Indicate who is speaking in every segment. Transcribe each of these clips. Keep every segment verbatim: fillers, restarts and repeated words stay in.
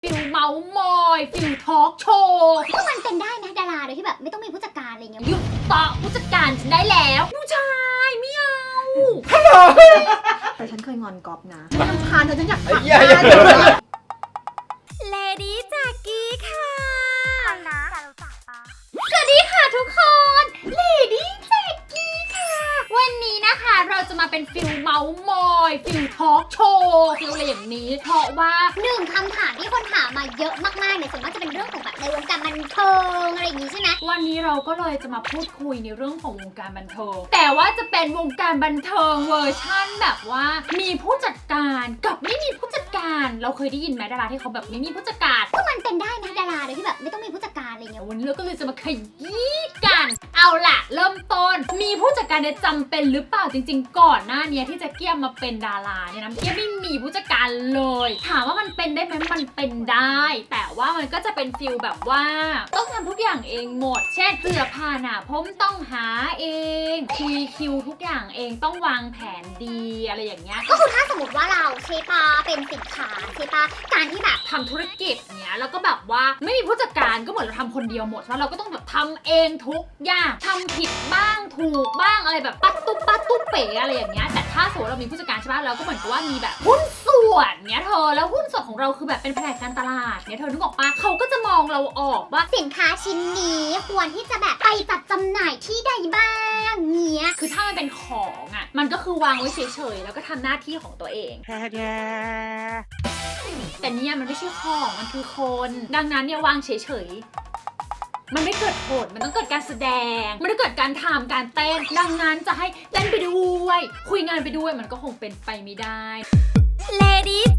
Speaker 1: ฟิลเมาส์มอยฟิลทอล์กโชว์
Speaker 2: ก็มันเป็นได้นะดาราโดยที่แบบไม่ต้องมีผู้จัดการอะไรเงี้ย
Speaker 1: หยุดต่อผู้จัดการฉันได้แล้วผู้ชายไม่เอา
Speaker 3: แต่ฉันเคยงอนก๊อฟนะไม่รำคาญเธอฉันอยากฟัง
Speaker 1: เลดี้จากกี้ค่ะสวัสดีค่ะทุกคนเลดี้จากกี้ค่ะวันนี้นะคะเราจะมาเป็นฟิลเมาส์มอยฟิลทอล์กโชว์ฟิลอะไรอย่างนี้เพราะว่า
Speaker 2: หนึ่งคำถามที่คนถามมาเยอะมากๆเนี่ยส่วนมากจะเป็นเรื่องของแบบในวงการบันเทิงอะไรอย่างงี้ใช่ไหม
Speaker 1: วันนี้เราก็เลยจะมาพูดคุยในเรื่องของวงการบันเทิงแต่ว่าจะเป็นวงการบันเทิงเวอร์ชั่นแบบว่ามีผู้จัดการกับไม่มีผู้จัดการเราเคยได้ยินไหมดาราที่เขาแบบไม่มีผู้จัดการ
Speaker 2: ก็มันเป็นได้นะดาราโดยที่แบบไม่ต้องมีผู้จัดการอะไรเงี้ย
Speaker 1: วันนี้เราก็เลยจะมาขยี้กันเอาล่ะเริ่มต้นมีผู้จัดการเนี่ยจำเป็นหรือเปล่าจริงๆก่อนหน้านี้ที่จะเกียมมาเป็นดาราเนี่ยนะเกียมไม่มีผู้จัดการเลยถามว่ามันเป็นได้ไหมมันเป็นได้แต่ว่ามันก็จะเป็นฟิลแบบว่าต้องทำทุกอย่างเองหมดเช่นเสื้อผ้าหน้าผมต้องหาเองคุยคิวทุกอย่างเองต้องวางแผนดีอะไรอย่างเงี้ย
Speaker 2: ก็คือถ้าสมมติว่าเราใช่ปะเป็นสินค้าใช่ปะการที่แบบ
Speaker 1: ทำธุรกิจเนี้ยแล้วก็แบบว่าไม่มีผู้จัดการก็เหมือนเราทำคนเดียวหมดแล้วเราก็ต้องแบบทำเองทุกอย่างทำผิดบ้างถูกบ้างอะไรแบบปัดตุ๊บปัดตุ๊บเป๋อะไรอย่างเงี้ยแต่ถ้าสมมติเรามีผู้จัดการใช่ปะเราก็เหมือนกับว่ามีแบบหุ้นส่วนเนี้ยเธอแล้วหุ้นส่วนของเราคือแบบเป็นแผนกการตลาดเนี้ยเธอนึกออกปะเขาก็จะมองเราออกว่า
Speaker 2: สินค้าชิ้นนี้ควรที่จะแบบไปจัดจำหน่ายที่ใดบ้างเงี้ย
Speaker 1: คือถ้ามันเป็นของอ่ะมันก็คือวางไว้เฉยๆแล้วก็ทำหน้าที่ของตัวเองแต่เนี่ยมันไม่ใช่ของมันคือคนดังนั้นเนี่ยวางเฉยๆมันไม่เกิดผลมันต้องเกิดการแสดงมันต้องเกิดการทำการเต้นดังนั้นจะให้เต้นไปด้วยคุยงานไปด้วยมันก็คงเป็นไปไม่ได้ Ladies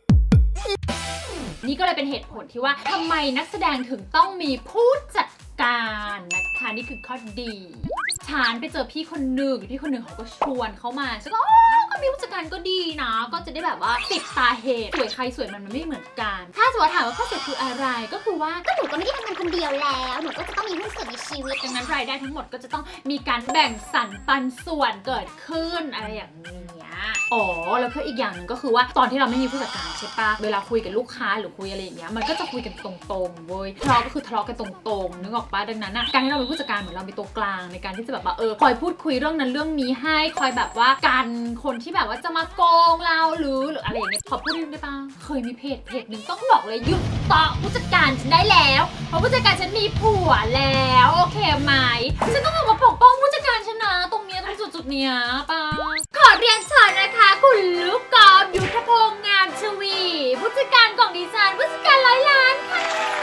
Speaker 1: นี่ก็เลยเป็นเหตุผลที่ว่าทำไมนักแสดงถึงต้องมีผู้จัดการนะคะนี่คือข้อดีฉันไปเจอพี่คนหนึ่งพี่คนหนึ่งเขาก็ชวนเขามาฉันก็อ๋อก็มีผู้จัดการก็ดีนะก็จะได้แบบว่าติดตาเหตุสวยใครสวยมันมันไม่เหมือนกันถ้าสมมติถามว่าข้อเสียคืออะไรก็คือว่า
Speaker 2: ก็หนูก็ไม่ได้ทำงานคนเดียวแล้วหนูก็จะต้องมีหุ้นส่วนในชีวิต
Speaker 1: ดังนั้นรายได้ทั้งหมดก็จะต้องมีการแบ่งสรรปันส่วนเกิดขึ้นอะไรอย่างเงี้ยอ๋อแล้วก็อีกอย่างหนึ่งก็คือว่าตอนที่เราไม่มีผู้จัดการใช่ปะเวลาคุยกับลูกค้าหรือคุยอะไรอย่างเงี้ยมันก็จะคุยกันตรงๆเว้ยทะเลาะก็คือทะเลาะกันตรงๆนึกออกปะดังนั้นอ่ะการที่เราเป็นผู้จัดการเหมือนเราเป็นตัวกลางในการที่จะแบบว่าเออคอยพูดคุยเรื่องนั้นเรื่องนี้ให้คอยแบบว่ากันคนที่แบบว่าจะมาโกงเราหรือหรืออะไรอย่างเงี้ยขอพูดนิดได้ปะเคยมีเพจเพจหนึ่งต้องบอกเลยหยุดต่อผู้จัดการฉันได้แล้วเพราะผู้จัดการฉันมีผัวแล้วโอเคไหมฉันต้องออกมาปกป้องผู้จัดการฉันนะตรงเนี้ยตรงจุดๆเนี้ยปะขอเรียนเชิญนะคะคุณลูกกอล์ฟยุทธพงษ์งามชวีผู้จัดการของดิฉันผู้จัดการร้อยล้านค่ะ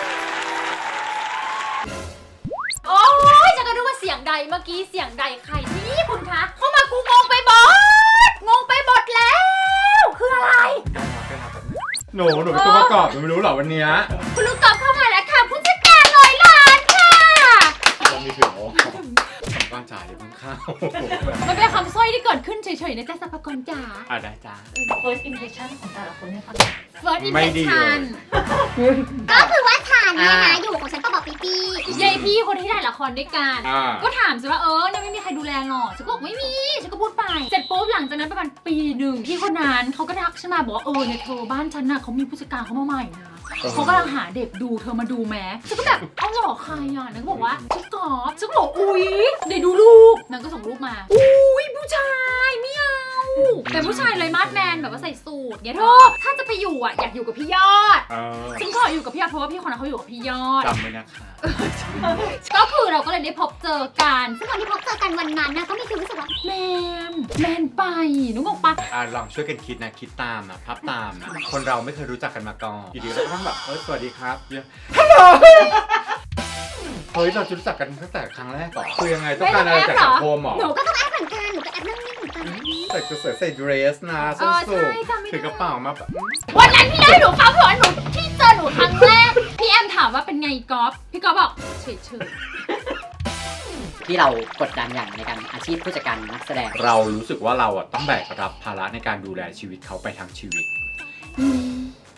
Speaker 1: โอ้ยฉันก็นึกว่าเสียงใดเมื่อกี้เสียงใดใครนี่คุณคะเข้ามากูงงไปหมดงงไปหมดแล้วคืออะไร
Speaker 4: หนูหนูเป็นตัวประกอบหนูไม่รู้หรอวันเนี้ย
Speaker 1: คุณลูกกอล์ฟเข้ามาแล้วค่ะผู้จัดการร้อยล้านค่ะ
Speaker 4: ต้องมีถึงโอ้ก้อนจ่ายเดี๋ยวเพิ่งเข้า
Speaker 1: มันเป็นคำสร้อยที่เกิดขึ้นเฉยๆนะจ๊ะสัพพกรจ๋า
Speaker 4: อ่ะได้จ้า
Speaker 3: first impression ของแต่ละคนให้ฟัง
Speaker 1: first
Speaker 4: ไม่ดีเลย
Speaker 1: impression
Speaker 2: ก็คือว่าฉันเนี่ยนะอยู่ของฉันปะบอกปีปี
Speaker 1: ยายพี่คนที่ถ่ายละครด้วยกัน
Speaker 4: อ่า
Speaker 1: ก็ถามฉันว่าเออเนี่ยไม่มีใครดูแลหรอฉันก็บอกไม่มีฉันก็พูดไปเสร็จปุ๊บหลังจากนั้นประมาณปีหนึ่งพี่คนนั้นเขาก็ทักฉันมาบอกว่าเออเนี่ยเธอบ้านฉันน่ะเขามีผู้จัดการเขามาใหม่นะเขากำลังหาเด็กดูเธอมาดูแม้ฉันก็แบบเอาหรอใครอ่ะนางก็บอกว่าชื่อกอล์ฟฉันก็บอกอุ๊ยเดี๋ยวดูรูปนางก็ส่งรูปมาอุ๊ยผู้ชายไม่เอาเป็นผู้ชายเลยมาดแมนแบบว่าใส่สูทเนี่ยเธอถ้าจะไปอยู่อ่ะอยากอยู่กับพี่ยอด
Speaker 4: เออ
Speaker 1: ฉันขออยู่กับพี่ยอดเพราะว่าพี่คนนั้นเขาอยู่กับพี่ยอด
Speaker 4: จำไว้นะคะ
Speaker 1: ก็คือเราก็เลยได้พบเจอกัน
Speaker 2: ซึ่งวันที่พบเจอกันวันนั้นนะก็มีความรู้สึกว่า
Speaker 1: แมนแมนไปนึกออกปะ
Speaker 4: อ่ะลองช่วยกันคิดนะคิดตามนะภาพตามนะคนเราไม่เคยรู้จักกันมาก่อนอยู่ดีเราก็ต้องแบบเออสวัสดีครับเยอะฮัลโหลเฮ้ยเราจะรู้จักกันตั้งแต่ครั้งแรกก่อนคือยังไงต้องการอะไรจากสังคมหรอ
Speaker 2: หนูก็ต้องแอปเหมือนกันหนูก็แอปนั่งนิ่งเหมือนกัน
Speaker 4: แต่จะใส่ใส่เดรสนะส้นสูงถือกระเป๋ามาแบบ
Speaker 1: วันนั้นพี่เล่าให้หนูฟังเพราะว่าหนูที่เจอหนูครั้งแรกพี่แอมถามว่าเป็นไงก๊อฟพี่ก๊อฟบอกเฉยเฉย
Speaker 5: ที่เรากดดันอย่างในการอาชีพผู้จัดการนักแสดง
Speaker 4: เรารู้สึกว่าเราอ่ะต้องแบกรับภาระในการดูแลชีวิตเขาไปทั้งชีวิต
Speaker 1: อืม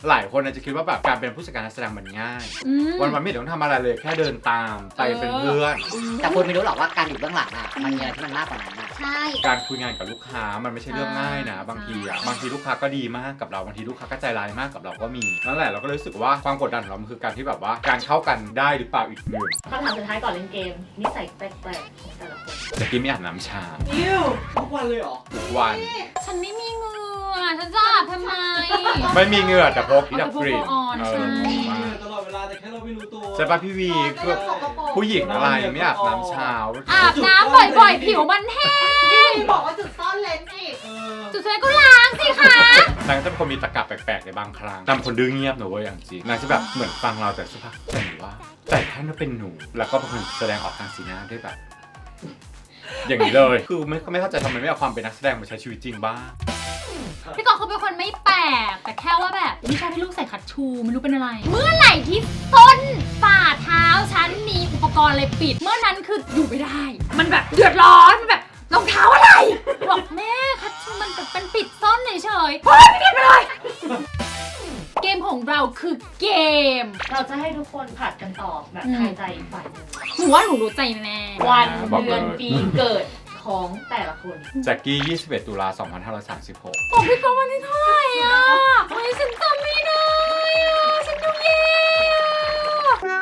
Speaker 4: หลายคนอาจจะคิดว่าแบบการเป็นผู้จัดการนักแสดงมันง่าย
Speaker 1: อืม
Speaker 4: วันวันๆไม่ต้องทำอะไรเลยแค่เดินตามไปเป็นเพื่อน
Speaker 5: แต่คุณไม่รู้หรอกว่าการอยู่เบื้องหลังอ่ะมันมีอะไรที่มันมากกว่านั้นอ่ะ
Speaker 2: ใช่
Speaker 4: การคุยงานกับลูกค้ามันไม่ใช่เรื่องง่ายนะบางทีอ่ะบางทีลูกค้าก็ดีมากกับเราบางทีลูกค้าก็ใจร้ายมากกับเราก็มีนั่นแหละเราก็รู้สึกว่าความกดดันของเรามันคือการที่แบบว่าการเข้ากันได้หรือเปล่าอีกหนึ่ง
Speaker 3: คำถามสุดท้ายก่อนเล่นเกม นิสัยแปลกๆของแต่ละคน
Speaker 4: จะกินไม่อาบน้ำชา
Speaker 3: อิว
Speaker 6: ทุกวันเลยเหรอ
Speaker 4: ทุกวัน
Speaker 1: ฉันไม่มีเหงื่อฉันจะอาบทำไม
Speaker 4: ไม่มีเหงื่อแต่พกที่ดับกลิ่น
Speaker 1: เอาแต่พก
Speaker 4: เอ
Speaker 1: ออน
Speaker 4: อ
Speaker 6: ตลอดเวลาแต่แค่เราไม่รู้ตัว
Speaker 4: ใช่ปะพี่วีคือผู้หญิงอะไรไม่อาบน้ำเช้า
Speaker 1: อาบน้ำบ่อยๆ ผิวมันแห้ง
Speaker 3: พี่บอกว่าจุดซ่อนเลนส์อีก
Speaker 6: เออ
Speaker 1: จุดสุดท้ายก็ล้างสิคะ
Speaker 4: นางจะเป็นคนมีตะกะแปลกๆในบางครั้งนางคนดื้อเงียบหนูเว้ยอย่างจริงนางจะแบบเหมือนฟังเราแต่สักพักแต่หนูว่าแต่ท่านก็เป็นหนูแล้วก็เป็นคนแสดงออกทางสีหน้าด้วยแบบ อย่างนี้เลย คือไม่ไม่เข้าใจทำไมไม่เอาความเป็นนักแสดงมาใช้ชีวิตจริงบ้าง
Speaker 1: พี่กองเขาเป็นคนไม่แปลกแต่แค่ว่าแบบไม่ชอบให้ลูกใส่คัชชูไม่รู้เป็นอะไร เมื่อไหร่ที่ส้นฝ่าเท้าฉันมีอุปกรณ์อะไรปิด เมื่อนั้นคืออยู่ไม่ได้ มันแบบเดือดร้อนมันแบบรองเท้าอะไรบอกแม่คัชชูมันเป็นปิดส้นเฉยๆเฮ้ยไม่ปิดไปเลย เกมของเราคือเกม
Speaker 3: เราจะให้ทุกคนผัดกันตอบแบบทายใจอีกฝ่ายหนึ่ง
Speaker 1: หนูว่าหนูรู้ใจแน่
Speaker 3: วัน
Speaker 4: บอกเลย
Speaker 3: เดือนปีเกิดของแต่ละคน
Speaker 4: แจ็คกี้ ยี่สิบเอ็ด ตุลา สองพันห้าร้อยสามสิบหก
Speaker 1: บอกพี่กองวันที่เท่าไหร่อ่ะเฮ้ยฉันจำไม่ได้อ่ะฉันดูแย่อ่ะ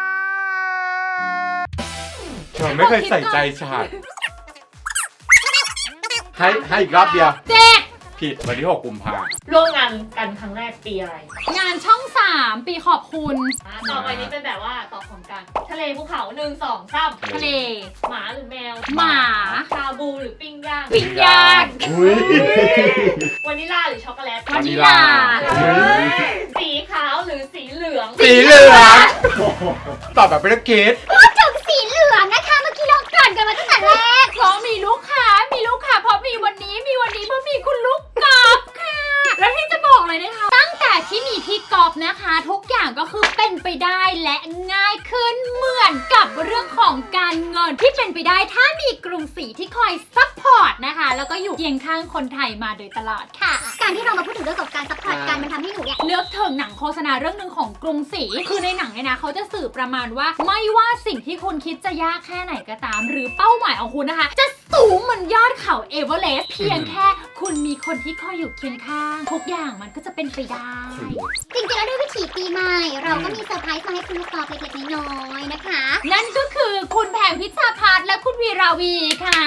Speaker 4: เธอไม่เคยใส่ใจฉันให้ให้อีกรอบเดียว
Speaker 1: เจ็ด
Speaker 4: ผิดวันที่หกกุมภาพันธ์
Speaker 3: ร่วมงานกันครั้งแรกปีอะไร
Speaker 1: งานช่องสามปีขอบคุณ
Speaker 3: อ่ะต่อไปนี้เป็นแบบว่าตอบพร้อมกัน ทะเลภูเขาหนึ่งสองสาม
Speaker 1: ทะเล
Speaker 3: หมาหรือแมว
Speaker 1: หมา
Speaker 3: ชาบูหรือปิ้งย่าง
Speaker 1: ปิ้งย่าง
Speaker 4: อุ้ยว
Speaker 3: านิลลาหรือช็อกโกแลต
Speaker 1: วานิลลา
Speaker 3: เฮ้ยสีขาวหรือสีเหลือง
Speaker 4: สีเหลืองตอบแบบไม่ต้องคิด
Speaker 2: พูดถึงสีเหลืองนะคะ เมื่อกี้เราเกริ่นกันมาตั้งแต่แรก
Speaker 1: เพราะมีลูกค้ามีลูกค้าเพราะมีวันนี้มีวันนี้เพราะมีคุณลูกกอล์ฟค่ะ แล้วที่จะบอกเลยนะคะ ตั้งแต่ที่มีพี่กอล์ฟนะคะ ทุกอย่างก็คือเป็นไปได้และง่ายขึ้นเหมือนกับเรื่องของการเงินที่เป็นไปได้ถ้ามีกรุงศรีที่คอยซัพพอร์ตนะคะ แล้วก็อยู่เคียงข้างคนไทยมาโดยตลอดค่ะ
Speaker 2: การที่เรามาพูดถึงเรื่องของการซัพพอร์ตกันมันทำให้หนูเนี่ย
Speaker 1: เลือกถึงหนังโฆษณาเรื่องหนึ่งของกรุงศรีคือในหนังเนี่ยนะเขาจะสื่อประมาณว่าไม่ว่าสิ่งที่คุณคิดจะยากแค่ไหนก็ตาม หรือเป้าหมายของคุณนะคะ จะสูงเหมือนยอดเขาเอเวอเรสต์เพียงแค่คุณมีคนที่คอยอยู่เคียงข้างทุกอย่างมันก็จะเป็นไปได้
Speaker 2: จริงๆแล้วด้วยวิถีปีใหม่ เราก็มีเซอร์ไพรส์มาให้คุณลูกกอล์ฟเล็กๆน้อยๆนะคะ
Speaker 1: นั่นก็คือคุณแผงพิชชาพัฒน์และคุณวีราวีค่ะ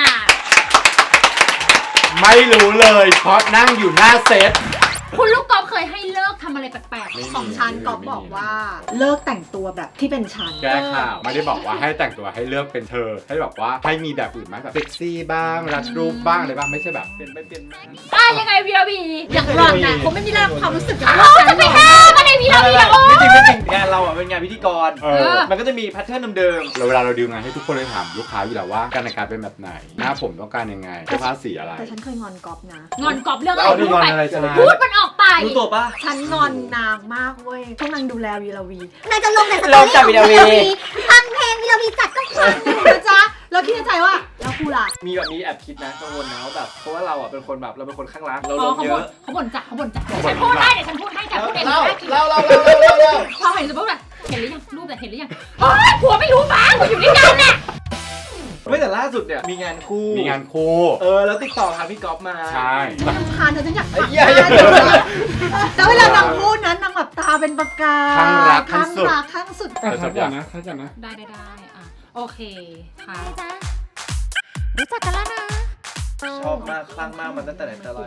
Speaker 4: ไม่รู้เลยเพราะนั่งอยู่หน้าเซต
Speaker 1: คุณลูกกอล์ฟเคยให้เลิกทำอะไรแปลก
Speaker 4: ไม่มี
Speaker 3: ของฉันก๊อฟบอกว่า
Speaker 7: เลิกแต่งตัวแบบที่เป็นฉัน
Speaker 4: แก้ข่าวไม่ได้บอกว่าให้แต่งตัวให้เลือกเป็นเธอ ให้บอกว่าให้มีแบบอื่นไหมแบบเซ็กซี่บ้างรัดรูปบ้างอะไรบ้างไม่ใช่แบบเป็นไม่เป็น
Speaker 1: ๆอ่ะยังไงวีราวี
Speaker 7: อย่างหล่อนนะผมไม่มีแรงความรู้สึกอย่าง
Speaker 1: โอ้จะไปห้ามอะไรวีราวีนะโอ้
Speaker 6: ไม่จริงไม่จริงงานเราอ่ะเป็นงานพิธีกร
Speaker 4: เออ
Speaker 6: มันก็จะมีแพทเทิร์นเดิม
Speaker 4: เราเวลาเราดีลงานให้ทุกคนเลยถามลูกค้าอยู่แล้วว่าการแต่งกายเป็นแบบไหนหน้าผมต้องการยังไงเสื้อผ้าสีอะไร
Speaker 7: แต่ฉันเคยงอนก๊อฟนะ
Speaker 1: งอนกอล์ฟเรื่อง
Speaker 4: แล้
Speaker 1: อะ
Speaker 4: ว
Speaker 1: ไร
Speaker 4: นี่
Speaker 1: พู
Speaker 4: ง
Speaker 1: ด
Speaker 4: อน
Speaker 1: ไป
Speaker 4: อะไรจะ
Speaker 1: พูดมันออกไป
Speaker 6: ๆรู้ตัวปะ
Speaker 7: ฉันงอนนางมากเว้ยช่วงนางดูแลวีลาวี
Speaker 2: นายจะลงแต่สต
Speaker 5: ล
Speaker 2: อง รี่
Speaker 5: จาก
Speaker 2: ของ
Speaker 5: วิดีโอ
Speaker 2: วีลาวีฟังเพลงวีลาวีจัดก็ฟัง
Speaker 7: นะจ๊ะแล้วคิดในใจว่าแล้วกูล่ะ
Speaker 6: มีแบบนี้แอบคิดนะกังวลนะว่าแบบเพราะว่าเราอ่ะเป็นคนแบบเราเป็นคนข้างรักเรา
Speaker 1: อ๋
Speaker 6: ล
Speaker 1: อง เขา
Speaker 6: เย
Speaker 1: บ่น
Speaker 6: อะ
Speaker 1: เขาบ่นจ้ะเขาบ่นจ้ะเดี๋ยวฉันพูดให้เดี๋ยวฉันพูดให้จ้ะพูดเอง
Speaker 6: เล่า
Speaker 1: นะ
Speaker 6: เล่าเล่าเล่าเล่าเล่าเล่า
Speaker 1: พอเห็นสมมติแบบเห็นหรือยังรูปแต่เห็นหรือยังโอ๊ยผัวไม่รู้มั้งอยู่ด้วยกันน่ะ
Speaker 6: ไม่แต่ล่าสุดเนี่ยมีงานคู่
Speaker 4: มีงานคู่
Speaker 6: เออแล้วติดต่อหาพี่ก๊อฟมา
Speaker 4: ใช่
Speaker 7: รำคาญเธอฉันอยาก
Speaker 6: ไอ้
Speaker 7: ขับ
Speaker 6: เหี้ย
Speaker 7: หน้าเธอแล้วเวลานางพูดนั้นนางแบบตาเป็นประกาย
Speaker 4: ข้างรักข้า
Speaker 7: ข้าง ง
Speaker 4: สุด
Speaker 7: รักข้างสุด
Speaker 4: แต่สัญญานะ
Speaker 1: ได้ได้ได้อ่ะโอเคค่ะ
Speaker 2: รู้จักกันแล้วนะ
Speaker 6: ชอบมากคลั่งมากมันตั้งแต่ไหนแต่ไร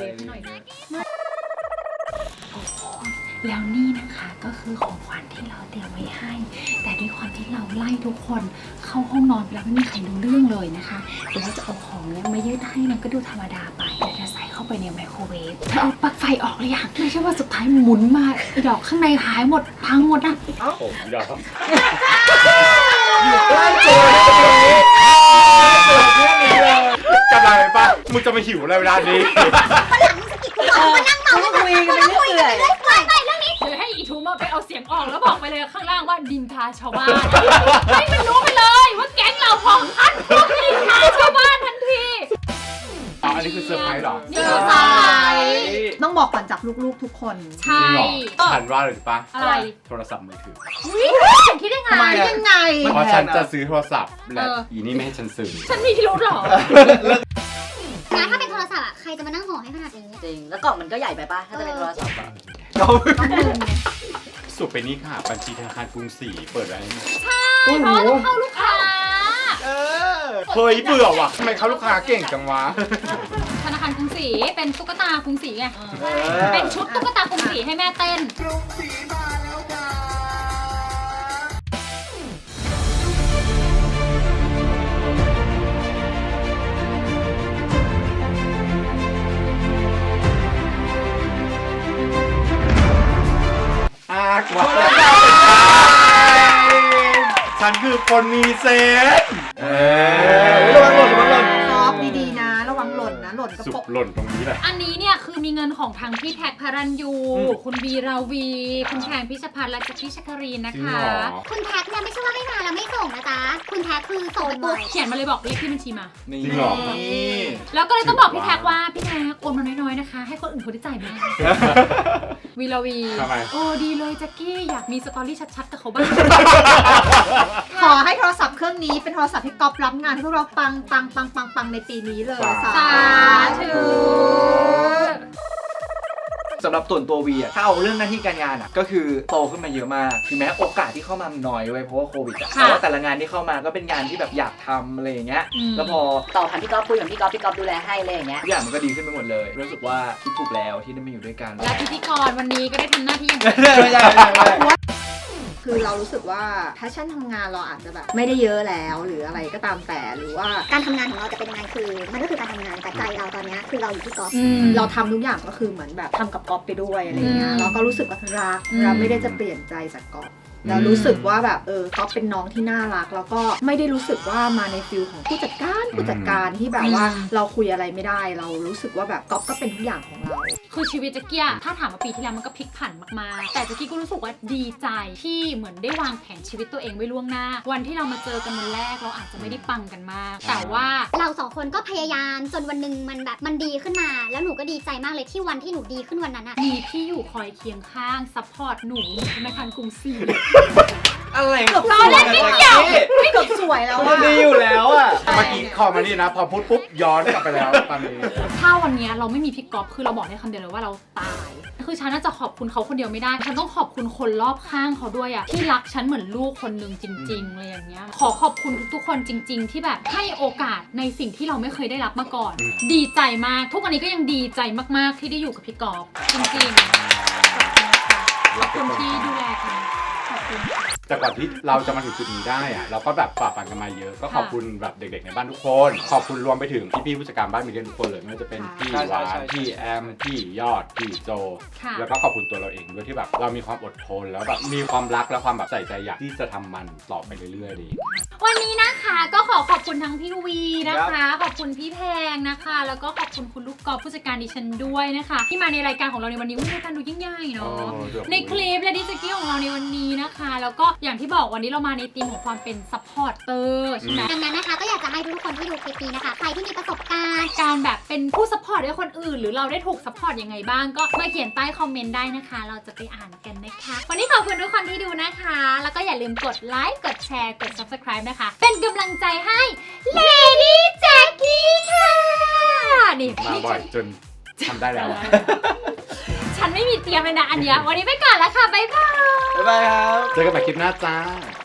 Speaker 1: แล้วนี่นะคะก็คือของขวัญที่เราเตรียมไว้ให้ แต่ด้วยความที่เราไล่ทุกคนเข้าห้องนอนไปแล้วไม่มีใครรู้เรื่องเลยนะคะเดี๋ยวเราจะเอาของเนี้ยมายืดให้มันก็ดูธรรมดาไปเดี๋ยวจะใส่เข้าไปในไมโครเวฟเธอเอาปลั๊กไฟออกหรือยังไม่ใช่ว่าสุดท้ายหมุนมาไอ้ดอกข้างในหายหมดพังหมดนะ
Speaker 4: ผมยอม
Speaker 6: อยู่ใกล้ตัวเลยเรื่องนี้เลย
Speaker 4: จำได้ไหมปะมึงจะมาหิวอะไรเวลานี้
Speaker 2: มานั่งเมาคุยกันไปเรื่อยๆไปไปเรื่องนี้
Speaker 1: หรือให้อีทูมาไปเอาเสียงออกแล้วบอกไปเลยข้างล่างว่าดินทาชาวบ้านให้มันรู้ไปเลยว่าแก๊งเราพองคัดพวกดินทาชาวบ้านทันที
Speaker 4: อ๋ออันนี้คือเซอร์ไพรส์เหรอ
Speaker 1: นี่คือเซอร์ไพรส์
Speaker 7: ต้องบอกก่อนจากลูกๆทุกคน
Speaker 1: ใช่
Speaker 4: จริงเหรอฉันว่าเลยปะ
Speaker 1: อะไร
Speaker 4: โทรศัพท์มือถือ
Speaker 1: ฉันคิดได้ไง
Speaker 6: ทำไมอะ
Speaker 7: ยังไง
Speaker 4: เพราะฉันจะซื้อโทรศัพท์และ
Speaker 1: เออ
Speaker 4: อีนี่ไม่ให้ฉันซื้อ
Speaker 1: ฉันมีพิรุธเหรอ
Speaker 2: นะถ้าเป็นโทรศัพท์อะใครจะมานั่งห่อให้ขนาดนี้
Speaker 5: จริง แล้วกล่องมันก็ใหญ่ไปป่ะ ถ้าจะเป็นโทรศัพท์อะ
Speaker 4: สุดไปนี่ค่ะ บัญชีธนาคารกรุงศรีเปิดไว้
Speaker 1: เพราะว่าต้องเข้าลูกค้า
Speaker 6: เออ
Speaker 4: เฮ้ยเบื่อว่ะทำไมเขาลูกค้าเก่งจังวะ
Speaker 1: ธนาคารกรุงศรีเป็นตุ๊กตากรุงศรีไง
Speaker 6: เออ
Speaker 1: เป็นชุดตุ๊กตากรุงศรีให้แม่เต้น
Speaker 4: อากว่าฉันคือคนมีเซนส์เอ
Speaker 6: ระวังหล่นระวังหล่น
Speaker 7: ซอฟดีๆนะ ระวังหล่นนะ หล่นกระ
Speaker 4: สุ
Speaker 7: ป
Speaker 4: ก
Speaker 7: ก
Speaker 4: หล่นตรงนี้แหละ
Speaker 1: อันนี้เนี่ยคือมีเงินของทางพี่แท็กพารันยู
Speaker 4: อืม
Speaker 1: คุณวีราวี คุณแชงพิชพัฒน์และแจ็คกี้ชัครีนนะ
Speaker 4: จริง
Speaker 1: คะ
Speaker 4: เหรอ
Speaker 2: คุณแท็กเนี่ยไม่ใช่ว่าให้มาแล้วไม่ส่งนะจ๊ะ คุณแท็กคือส่งไปปุ๊บ
Speaker 1: เขียนมาเลยบอกเลขที่บัญชีมา
Speaker 6: นี่
Speaker 4: จริงเหรอ
Speaker 1: แล้วก็เลยต้องบอกพี่แท็กว่าพี่แท็กโอนมาน้อยๆนะคะ ให้คนอื่นเขาได้จ่ายบ้างวีราวี
Speaker 4: ทำไม
Speaker 1: โอ้ดีเลยแจ็คกี้อยากมีสตอรี่ชัดๆกับเขาบ้าง
Speaker 7: ขอให้โทรศัพท์เครื่องนี้เป็นโทรศัพท์ที่ก๊อปรับงานให้พวกเราปังปังปังปังปังในปีนี้เลย
Speaker 4: สา
Speaker 1: สาธุ
Speaker 6: สำหรับส่วนตัววีอะถ้าเอาเรื่องหน้าที่การงานอะก็คือโตขึ้นมาเยอะมากถึงแม้โอกาสที่เข้ามาน้อยไว้ยเพราะว่าโควิดอะแต่ว่าแต่ละงานที่เข้ามาก็เป็นงานที่แบบอยากทำอะไรอย่างเงี้ย
Speaker 1: อืม
Speaker 6: แล้วพอ
Speaker 5: ต่อผ่านพี่ก๊อฟคุยกับพี่ก๊อฟพี่ก๊อฟดูแลให้อะไรอย่างเงี้ย
Speaker 6: ทุกอย่างมันก็ดีขึ้นไปหมดเลยรู้สึกว่าคิดถูกแล้วที่ได้มาอยู่ด้วยกัน
Speaker 1: และพิธีกรวันนี้ก็ได้ทำหน้าที่อย่าง
Speaker 6: ไม่ใช่ไม่ใช่ไม่ใช่
Speaker 7: คือเรารู้สึกว่าแพชชั่นทำงานเราอาจจะแบบไม่ได้เยอะแล้วหรืออะไรก็ตามแต่หรือว่า
Speaker 2: การทำงานของเราจะเป็นยังไงคือ มันก็คือการทำงานแต่ใจเราตอนเนี้ยคือเราอยู่ที่กอล์ฟ
Speaker 1: อืม
Speaker 7: เราทำทุกอย่างก็คือเหมือนแบบทำกับก๊อฟไปด้วยอะไรเงี้
Speaker 1: อื
Speaker 7: ย
Speaker 1: ม
Speaker 7: เราก็รู้สึกว่ารัก
Speaker 1: อืม
Speaker 7: เราไม่ได้จะเปลี่ยนใจจากก๊อฟเรารู้สึกว่าแบบเออก๊อฟเป็นน้องที่น่ารัก แล้วก็ไม่ได้รู้สึกว่ามาในฟิลของผู้จัดการผู้จัดการที่แบบว่าเราคุยอะไรไม่ได้ เรารู้สึกว่าแบบก๊อฟก็เป็นทุกอย่างของเรา
Speaker 1: คือชีวิตแจ็กกี้อะถ้าถามว่าปีที่แล้วมันก็พลิกผันมากๆ แต่แจ็กกี้ก็รู้สึกว่าดีใจที่เหมือนได้วางแผนชีวิตตัวเองไว้ล่วงหน้า วันที่เรามาเจอกันวันแรกเราอาจจะไม่ได้ปังกันมาก แต่ว่า
Speaker 2: เราสองคนก็พยายามจนวันหนึ่งมันแบบมันดีขึ้นมา แล้วหนูก็ดีใจมากเลยที่วันที่หนูดีขึ้นวันนั้นอะ
Speaker 1: มีพี่อยู่คอยเคียงข้างซัพพอร์ตหนูธนาคารกรุงศรี
Speaker 6: อะไร
Speaker 7: เกือบ
Speaker 1: ล้อเล่นนิดเดียว
Speaker 7: เกือบสวยแล้ว
Speaker 6: มัน
Speaker 7: อะ
Speaker 6: ดีอยู่แล้วอะ
Speaker 4: เมื่อกี้คอมานี่นะ พอพูดปุ๊บย้อนกลับไปแล้วตอนนี้
Speaker 1: ถ้าวันเนี้ยเราไม่มีพี่ก๊อฟคือเราบอกได้คำเดียวเลยว่าเราตาย คือฉันน่าจะขอบคุณเขาคนเดียวไม่ได้ ฉันต้องขอบคุณคนรอบข้างเขาด้วยอะที่รักฉันเหมือนลูกคนหนึ่งจริงๆเลยอย่างเงี้ย ขอขอบคุณทุกๆคนจริง ๆ ที่แบบให้โอกาสในสิ่งที่เราไม่เคยได้รับมาก่อน
Speaker 4: อืม
Speaker 1: ดีใจมาก ทุกวันนี้ก็ยังดีใจมากๆที่ได้อยู่กับพี่ก๊อฟจริงๆขอบคุณที่ดูแลกันขอบคุณ
Speaker 4: แต่ก่อนที่เราจะมาถึงจุดนี้ได้อะเราก็แบบฝ่าฟันกันมาเยอะ ก็ขอบคุณแบบเด็กๆในบ้านทุกคน ขอบคุณรวมไปถึงพี่ๆผู้จัดการบ้านมีเดียทุกคนเลยไม่ว่าจะเป็นพี่หวานพี่แอมพี่ยอดพี่โจ
Speaker 1: ค่ะ
Speaker 4: แล้วก็ขอบคุณตัวเราเองด้วยที่แบบเรามีความอดทนแล้วแบบมีความรักและความแบบใส่ใจอยากที่จะทำมันต่อไปเรื่อยๆดี
Speaker 1: วันนี้นะคะก็ขอขอบคุณทั้งพี่วีนะคะ ขอบคุณพี่แพงนะคะ แล้วก็ขอบคุณคุณลูกกอล์ฟผู้จัดการดิฉันด้วยนะคะ ที่มาในรายการของเราในวันนี้อุ๊ยรายการดูยิ่งใหญ่เนาะ
Speaker 4: โอ้เดี๋ยว
Speaker 1: ในคลิปและดิจิกี้ของเราในวันนี้นะคะ แล้วก็อย่างที่บอกวันนี้เรามาในธีมของความเป็นซัพพอร์ตเตอร์ใช่ไหม
Speaker 2: ดังนั้นนะคะก็อยากจะให้ทุกคนที่ดูคลิปนี้นะคะ ใครที่มีประสบการณ์
Speaker 1: การแบบเป็นผู้ซัพพอร์ตให้คนอื่น หรือเราได้ถูกซัพพอร์ตยังไงบ้างก็มาเขียนใต้คอมเมนต์ได้นะคะ เราจะไปอ่านกันนะคะ วันนี้ขอบคุณทุกคนที่ดูนะคะ แล้วก็อย่าลืมกดไลค์กดแชร์กด ซับสไครบ์ นะคะ เป็นกำลังใจให้ Lady Jackie ค่ะนี่
Speaker 4: มา
Speaker 1: นี่
Speaker 4: บ่อยจนทำได้แล้วอะ
Speaker 1: ฉันไม่มีเตรียมเลยนะอันเนี้ยวันนี้ไปก่อนแล้วค่ะบ๊ายบาย
Speaker 6: บ๊ายบายครับ
Speaker 4: เจอกันใหม่คลิปหน้าจ้า